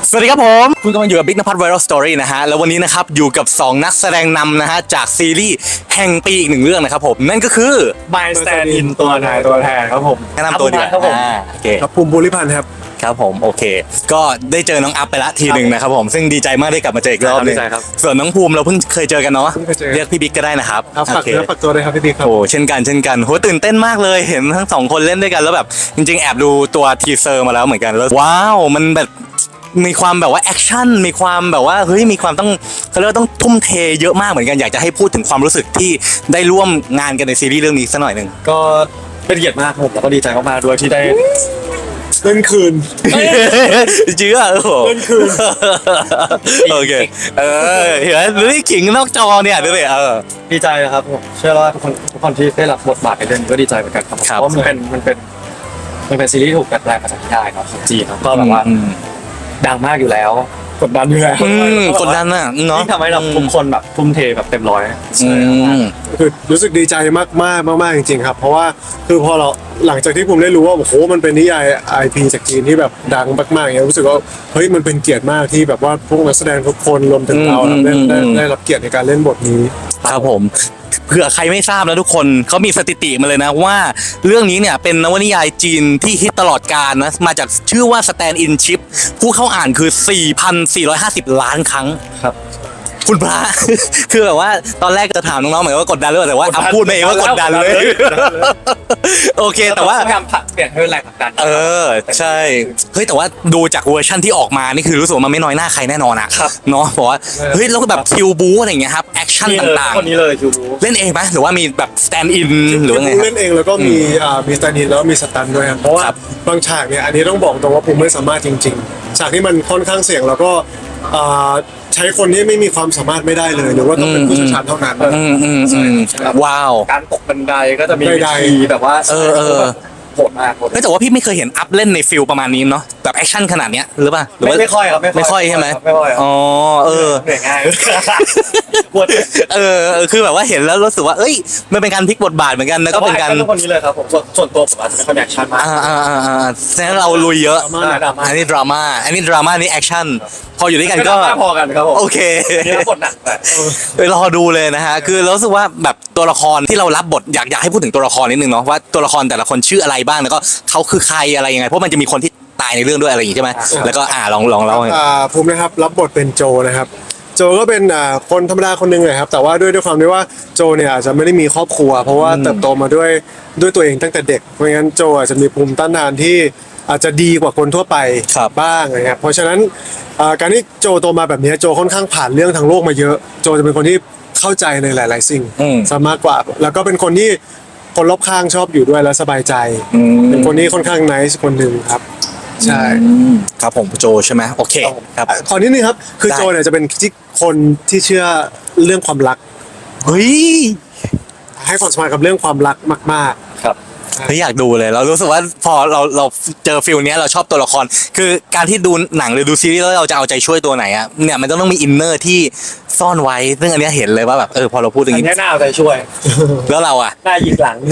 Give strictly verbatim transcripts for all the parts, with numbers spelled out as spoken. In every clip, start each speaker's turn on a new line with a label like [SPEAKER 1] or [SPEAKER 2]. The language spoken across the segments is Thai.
[SPEAKER 1] สวัสดีครับผมคุณกำลังอยู่กับ Big นภัทร Viral Story นะฮะแล้ววันนี้นะครับอยู่กับสองนักแสดงนำนะฮะจากซีรีส์แห่งปีอีกหนึ่งเรื่องนะครับผมนั่นก็คือ
[SPEAKER 2] My Stand In ตัวนายตัวแทนครับผม
[SPEAKER 1] แนะนำตัวดีกว่า
[SPEAKER 2] ครับผม
[SPEAKER 1] อ่าโอเค
[SPEAKER 3] ครับภูมิบุริพันธ์ครับ
[SPEAKER 1] ครับผมโอเค ก็ได้เจอน้องอัพไปละทีหนึ่งนะครับผมซึ่งดีใจมากได้กลับมาเจออีกรอบหนึง
[SPEAKER 2] ดีใจครับ
[SPEAKER 1] ส่วนน้องภูมิเราเพิ่งเคยเจอกันเนาะ
[SPEAKER 3] เพิ่งเคยเจอ
[SPEAKER 1] เรียกพี่บิ๊กก็ได้นะครับ
[SPEAKER 3] ครับฝาก
[SPEAKER 1] โอเค
[SPEAKER 3] เนื้อฝากตัวเลยครับพี่บิ๊กครับ
[SPEAKER 1] โอ้เช่นกันเช่นกันโหตื่นเต้นมากเลยเห็นทั้งสองคนเล่นด้วยกันแล้วแบบจริงๆแอบดูตัวทีเซอร์มาแล้วเหมือนกันแล้วว้าวมันแบบมีความแบบว่าแอคชั่นมีความแบบว่าเฮ้ยมีความต้องเขาเรียกว่าต้องทุ่มเทเยอะมากเหมือนกันอยากจะให้พูดถึงความรู้สึกที่ได้ร่วมงานกันในซีรีส์เรื่องนี้สักหน่อยหนึ่ง
[SPEAKER 2] ก็เป็นเกียรติมากครับผมแล้วก็ดีใจมากๆด้วยที่ได้
[SPEAKER 3] เล่นคืน
[SPEAKER 1] เจื้อโอ้โห
[SPEAKER 3] เล่นคืน
[SPEAKER 1] โอเคเออเห็นไหมหรือขิงนอกจอเนี่ยดูดิเออ
[SPEAKER 2] ดีใจนะครับผมเชื่อว่าทุกคนทุกคนที่ได้รับบทบาทในเรื่องนี้ก็ดีใจเหมือนกันครับผม
[SPEAKER 1] ครับ
[SPEAKER 2] เพราะมันเป็นมันเป็นมันเป็นซีรีส์ที่ถูกดัดแปลงมาจากนิยายเนาะของจีนเนาะก็แบบว่า
[SPEAKER 1] อืม
[SPEAKER 2] ดังมากอยู่แล้วกดดันอยู่แล้ว
[SPEAKER 1] อืมกดดันน่ะเนาะ
[SPEAKER 2] ยิ่งทำให้เราทุกคนแบบทุ่มเทแบบเต็มร้อย
[SPEAKER 1] อืม
[SPEAKER 3] คือรู้สึกดีใจมากมากมากมากจริงๆครับ เพราะว่าคือพอเราหลังจากที่ผมได้รู้ว่าโอ้โหมันเป็นนิยาย ไอ พี จากจีนที่แบบดังมากๆอย่างเงี้ยรู้สึกว่าเฮ้ยมันเป็นเกียรติมากที่แบบว่าพวกนักแสดงทุกคนรวมถึงเรา
[SPEAKER 1] อืม
[SPEAKER 3] ได้ได้
[SPEAKER 1] อืม
[SPEAKER 3] ได้รับเกียรติในการเล่นบทนี้
[SPEAKER 1] ครับผมเผื่อใครไม่ทราบนะทุกคนเขามีสถิติมาเลยนะว่าเรื่องนี้เนี่ยเป็นนวนิยายจีนที่ฮิตตลอดกาลนะมาจากชื่อว่า Stand In Ship ผู้เข้าอ่านคือ สี่พันสี่ร้อยห้าสิบ ล้านครั้ง
[SPEAKER 2] ครับ
[SPEAKER 1] คุณพระ คือแบบว่าตอนแรกจะถามน้องๆเหมือนว่ากดดันหรือเปล่าแต่ว่าอ่ะพูดมาเองว่ากดดันเลย โอเคแต่ว่า
[SPEAKER 2] พยายามผลักเปลี่ยนให้เป็นแรงผลักดัน
[SPEAKER 1] เออใช่เฮ้ยแต่ว่าดูจากเวอร์ชั่นที่ออกมานี่คือรู้สึกว่ามันไม่น้อยหน้าใครแน่นอนอะ
[SPEAKER 2] ครับ
[SPEAKER 1] เนาะบอกว่าเฮ้ยแล้วก็แบบคิวบูอะไรอย่างเงี้ยครับแอคชั่น
[SPEAKER 2] นี่เลย
[SPEAKER 1] ต่าง
[SPEAKER 2] คนนี้เลยคิวบู
[SPEAKER 1] ๆ เล่นเองไหมหรือว่ามีแบบสแตนด์อินหรือว่าไง
[SPEAKER 3] ภูมิ
[SPEAKER 1] ครั
[SPEAKER 3] เล่
[SPEAKER 1] บ
[SPEAKER 3] นเองแล้วก็มีอ่ามีสแตนด์อินแล้วก็มีสตันด้วยครับเพราะว่า
[SPEAKER 1] ครับ
[SPEAKER 3] บางฉากเนี่ยอันนี้ต้องบอกตรงว่าภูมิไม่สามารถจริงๆฉากที่มันค่อนข้างเสี่ยงแล้วก็อ่าใช้คนที่ไม่มีความสามารถไม่ได้เลยหรือว่าต้องเป็นผู้เชี่ยวชาญเท่านั้น
[SPEAKER 1] อืมอืมอืมว้าว
[SPEAKER 2] การตกบันไดก็จะมี
[SPEAKER 3] ใดๆ
[SPEAKER 2] วิธีแบบว่า
[SPEAKER 1] เออเออ
[SPEAKER 2] โหดมากโหด
[SPEAKER 1] เฮ้ยแต่ว่าพี่ไม่เคยเห็นอัพเล่นในฟิลประมาณนี้เนาะแบบแอคชั่นขนาดเนี้ยหรือเปล่าหรือ
[SPEAKER 2] ไม่
[SPEAKER 1] ว่า
[SPEAKER 2] ไม่ค่อยครับ
[SPEAKER 1] ไม่ค่อยใช่ไหม
[SPEAKER 2] ไม่ค่อยครับ
[SPEAKER 1] อ๋อเออ
[SPEAKER 2] เหนื่อยง่ายปวด
[SPEAKER 1] เออเออคือแบบว่าเห็นแล้วรู้สึกว่าเอ้ยมันเป็นการพลิกบทบาทเหมือนกันแล้วก็เป็นการ
[SPEAKER 2] แต่ว่ actor คนนี้เลยครับผมส่วนส่วนตัวผมอาจจะไม่ค่อยมีแอคชั่นมาก
[SPEAKER 1] อ่าอ่าอ่าอ่าแสดงว่าเราลุยเยอะ
[SPEAKER 3] ดราม่า
[SPEAKER 2] ดราม่า
[SPEAKER 1] อันนี้ดราม่าอันนี้ดราม่านี่แอคชั่นพออยู่ด้วยกันก็
[SPEAKER 2] ไม่พอกันครับผม
[SPEAKER 1] โอเค
[SPEAKER 2] นี่รับบทหนักแต่
[SPEAKER 1] ไปรอดูเลยนะฮะ คือเรารู้สึกว่าแบบตัวละครที่เรารับบทอยากอยากให้พูดถึงตัวละครนิดนึงเนาะว่าตัวละครแต่ละคนชื่ออะไรบ้างแล้วก็เขาคือใครอะไรยังไงเพราะมันจะมีคนที่ตายในเรื่องด้วยอะไรอย่างงี้ใช่ไหมแล้วก็อ่าลองลองเล่าให้
[SPEAKER 3] อ่าภูมินะครับรับบทเป็นโจนะครับโจก็เป็นอ่าคนธรรมดาคนหนึ่งเลยครับแต่ว่าด้วยด้วยความที่ว่าโจเนี่ยอาจจะไม่ได้มีครอบครัว เพราะว่าเติบโตมาด้วยด้วยตัวเองตั้งแต่เด็กเพราะงั้นโจอาจจะมีภูมิต้านทานที่อาจจะดีกว่าคนทั่วไป
[SPEAKER 1] ครับ
[SPEAKER 3] บ้างนะครับเพราะฉะนั้นอ่าการที่โจโตมาแบบนี้โจค่อนข้างผ่านเรื่องทางโลกมาเยอะ โจจะเป็นคนที่เข้าใจในหลาย ๆ สิ่ง
[SPEAKER 1] อืม
[SPEAKER 3] ซะมากกว่า แล้วก็เป็นคนที่คนรอบข้างชอบอยู่ด้วยและสบายใจ
[SPEAKER 1] อืม
[SPEAKER 3] เป็นคนที่ค่อนข้างไนซ์คนหนึ่งครับใช่
[SPEAKER 1] ครับผมโจใช่ไหมโอเคครับ
[SPEAKER 3] ขอนิดนึงครับ คือ
[SPEAKER 1] ได้
[SPEAKER 3] โจเนี่ยจะเป็นที่คนที่เชื่อเรื่องความรัก
[SPEAKER 1] เฮ้ย
[SPEAKER 3] ให้ความสำคัญกับเรื่องความรักมาก
[SPEAKER 2] ครับ
[SPEAKER 1] เฮ้ยอยากดูเลยเรารู้สึกว่าพอเราเราเจอฟิลเนี้ยเราชอบตัวละคร คือการที่ดูหนังหรือดูซีรีส์แล้วเราจะเอาใจช่วยตัวไหนอะเนี่ยมันต้องต้องมีอินเนอร์ที่ซ่อนไว้ซึ่งอันเนี้ยเห็นเลยว่าแบบเออพอเราพูดอย่าง
[SPEAKER 2] อัน
[SPEAKER 1] นี้
[SPEAKER 2] นี้น่าเอาใจช่วย
[SPEAKER 1] แล้วเราอะ
[SPEAKER 2] หน้ายิงหลัง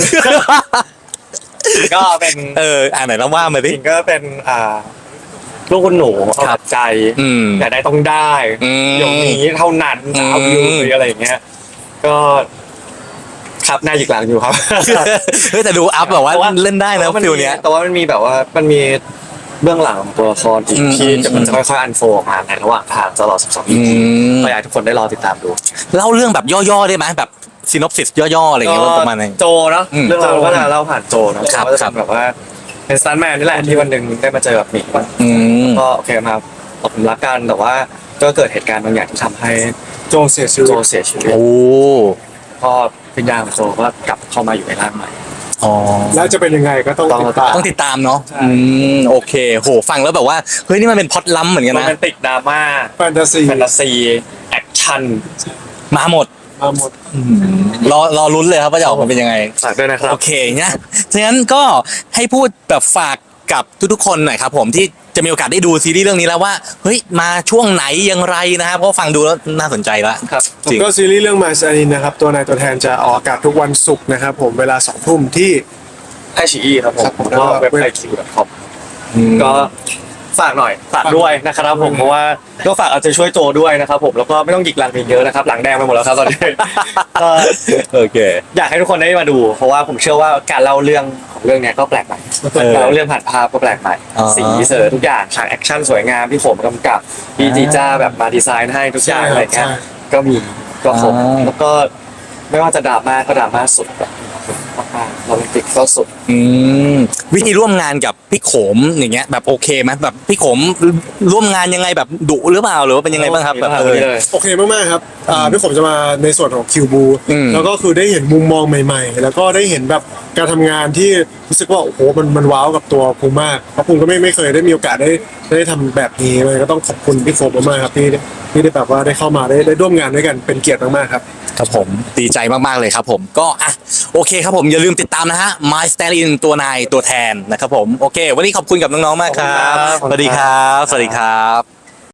[SPEAKER 2] ก็เป็น
[SPEAKER 1] เอออ่านไหนแล้วว่ามา
[SPEAKER 2] จ
[SPEAKER 1] ดิ
[SPEAKER 2] ริงก็เป็นอ่าลูกคุณหนูเอา
[SPEAKER 1] ครับ
[SPEAKER 2] แต่ใจ
[SPEAKER 1] อืม
[SPEAKER 2] แต่ได้ต้องได้
[SPEAKER 1] อืม
[SPEAKER 2] อย่างนี้เท่านั้นจะเอาอยู่หรืออะไรอย่างเงี้ยก็ครับหน้ายิงหลังอยู่ครับ
[SPEAKER 1] เฮ้ยแต่ดูอัพแบบว่าเล่นได้นะ
[SPEAKER 2] แต่ว่ามั
[SPEAKER 1] ฟิลเนี้ย
[SPEAKER 2] แต่ว่ามันมีแบบว่ามันมีเบื้องหลังของตัวละครอีก
[SPEAKER 1] อืม
[SPEAKER 2] ที่
[SPEAKER 1] อืม
[SPEAKER 2] จะมันจะค่อยๆอันโฟออกมาในระหว่างทางตลอดสิบสอง อี
[SPEAKER 1] อื
[SPEAKER 2] พี
[SPEAKER 1] ม
[SPEAKER 2] ก็อยากให้ทุกคนได้รอติดตามดู
[SPEAKER 1] เล่าเรื่องแบบย่อๆได้ไหมแบบซีนอปซิสย่อๆอะไรอย่างเงี้ยว่าประมาณไหน
[SPEAKER 2] โจเนาะ
[SPEAKER 1] อืม
[SPEAKER 2] เรื่องราวก็จะเล่าผ่านโจเนาะ
[SPEAKER 1] ครับ
[SPEAKER 2] ก็จะ
[SPEAKER 1] ครั
[SPEAKER 2] เป็
[SPEAKER 1] บ
[SPEAKER 2] นแบบว่าเป็นสตันแมนนี่แหละที่วันหนึ่งได้มาเจอกับหมี
[SPEAKER 1] อืม
[SPEAKER 2] ก็โอเคมาตกหลุมรักกันแต่ว่าก็เกิดเหตุการณ์บางอย่างที่ทำให้
[SPEAKER 3] ๆ โจเสียชีวิ
[SPEAKER 2] โจ
[SPEAKER 3] ต
[SPEAKER 2] เสียชีวิต
[SPEAKER 1] โอ้
[SPEAKER 2] ก็วิญญาณของโจก็กลับเข้ามาอยู่ในร่างใหม่
[SPEAKER 1] อ๋อ
[SPEAKER 3] แล้วจะเป็นยังไงก็ต้อง
[SPEAKER 2] ต้อง
[SPEAKER 3] ติดตาม
[SPEAKER 1] ต้องติดตามเนาะอืมโอเคโหฟังแล้วแบบว่าเฮ้ยนี่มันเป็นพล็อตล้ำเหมือนกัน
[SPEAKER 2] โร
[SPEAKER 1] นะ
[SPEAKER 2] แมนติกดราม่า
[SPEAKER 3] แฟนตาซี
[SPEAKER 2] แฟนตาซีแอคชั่น
[SPEAKER 1] มาหมด
[SPEAKER 3] มาหมด
[SPEAKER 1] รอรอลุ้นเลยครับว่าจะออกมาเป็นยังไง
[SPEAKER 2] ฝากด้วยนะครับ
[SPEAKER 1] โอเคเนี่ยฉะนั้นก็ให้พูดแบบฝากกับทุกๆคนหน่อยครับผมที่จะมีโอกาสได้ดูซีรีส์เรื่องนี้แล้วว่าเฮ้ยมาช่วงไหนอย่างไรนะครับเพราะฟังดูแล้วน่าสนใจละ
[SPEAKER 2] ครับ
[SPEAKER 1] จริง
[SPEAKER 3] ก็ซีรีส์เรื่องมาซานินนะครับ ตัวนายตัวแทนจะออกอากาศทุกวันศุกร์นะครับผมเวลาสองทุ่มที่
[SPEAKER 2] ไอชีอีครับผม
[SPEAKER 3] ครับผม
[SPEAKER 2] ก็เว็บไอคิวดอทคอมก็ฝากหน่อยฝากด้วยนะครับผมเพราะว่าก็ฝากเอาใจช่วยโจด้วยนะครับผมแล้วก็ไม่ต้องหยิกหลังอีกเยอะนะครับหลังแดงไปหมดแล้วครับตอนนี้ ก็
[SPEAKER 1] โอเค
[SPEAKER 2] อยากให้ทุกคนได้มาดู เพราะว่าผมเชื่อว่าการเล่าเรื่องของเรื่องเนี้ยก็แปลกใหม่
[SPEAKER 1] เออ
[SPEAKER 2] การเล่าเรื่องผ่านภาพก็แปลกใหม่
[SPEAKER 1] อ๋อ
[SPEAKER 2] สีเสอทุกอย่างฉากแอคชั่นสวยงามพี่ผมกำกับพี่จีจ้าแบบมาดีไซน์ให้ทุกอย่าง
[SPEAKER 3] ใช่ครับ
[SPEAKER 2] อะไรเงี้ย
[SPEAKER 3] ใช่
[SPEAKER 2] ก็มีก็ครบ
[SPEAKER 1] อ่า
[SPEAKER 2] แล้วก็ไม่ว่าจะดราม่าก็ดราม่าสุดแบบมากๆโรแมนติกก็สุด
[SPEAKER 1] อืมวิธีร่วมงานกับพี่โขมอย่างเงี้ยแบบโอเคไหมแบบพี่โขมร่วมงานยังไงแบบดุหรือเปล่าหรือว่าเป็นยังไงบ้างครับแบบเออ
[SPEAKER 3] โอเคมากๆครับอ่าพี่ผมจะมาในส่วนของคิวบู
[SPEAKER 1] อืม
[SPEAKER 3] แล้วก็คือได้เห็นมุมมองใหม่ๆ แล้วก็ได้เห็นแบบการทำงานที่รู้สึกว่าโอ้โหมันมันว้าวกับตัวภูมิมากเพราะภูมิก็ไม่ไม่เคยได้มีโอกาสได้ได้ทำแบบนี้เลยก็ต้องขอบคุณพี่โฟมมากๆครับที่ที่ได้แบบว่าได้เข้ามาได้ได้ร่วมงานด้วยกันเป็นเกียรติมากๆครับ
[SPEAKER 1] ครับผมดีใจมาก ๆ เลยครับผมก็อ่ะโอเคครับผมอย่าลืมติดตามนะฮะ My Stand In ตัวนายตัวแทนนะครับผมโอเค วันนี้ขอบคุณกับน้อง ๆ มากครับ
[SPEAKER 2] ขอบคุณครับ
[SPEAKER 1] สวัสดีครับ สวัสดีครับ